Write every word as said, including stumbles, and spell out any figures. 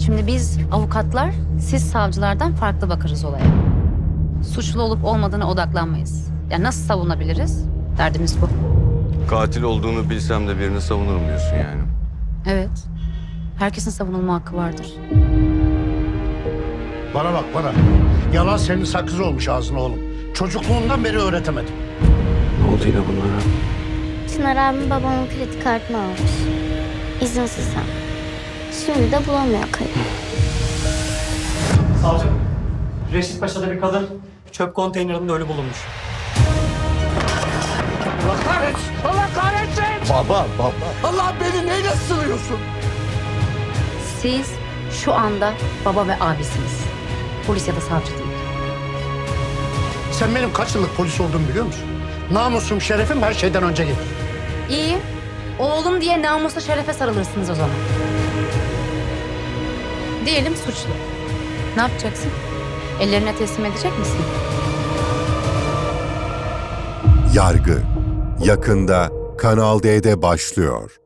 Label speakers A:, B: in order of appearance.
A: Şimdi biz avukatlar, siz savcılardan farklı bakarız olaya. Suçlu olup olmadığına odaklanmayız. Yani nasıl savunabiliriz? Derdimiz bu.
B: Katil olduğunu bilsem de birini savunurum diyorsun yani.
A: Evet. Herkesin savunulma hakkı vardır.
C: Bana bak bana. Yalan senin sakız olmuş ağzına oğlum. Çocukluğundan beri öğretemedim.
B: Ne oldu yine bunlara?
D: Çınar abim babamın kredi kartını almış. İzinsiz hem. Şimdi de bulamıyor kayıp.
E: Savcım, Reşit Paşa'da bir kadın çöp konteynerinde ölü bulunmuş.
C: Allah kahretsin! Allah kahretsin! Baba, baba. Allah beni neyle sınıyorsun?
A: Siz şu anda baba ve abisiniz. Polis ya da savcı değil.
C: Sen benim kaç yıllık polis olduğumu biliyor musun? Namusum, şerefim her şeyden önce gelir.
A: İyi. Oğlum diye namusla şerefe sarılırsınız o zaman. Diyelim suçlu. Ne yapacaksın? Ellerine teslim edecek misin?
F: Yargı yakında Kanal D'de başlıyor.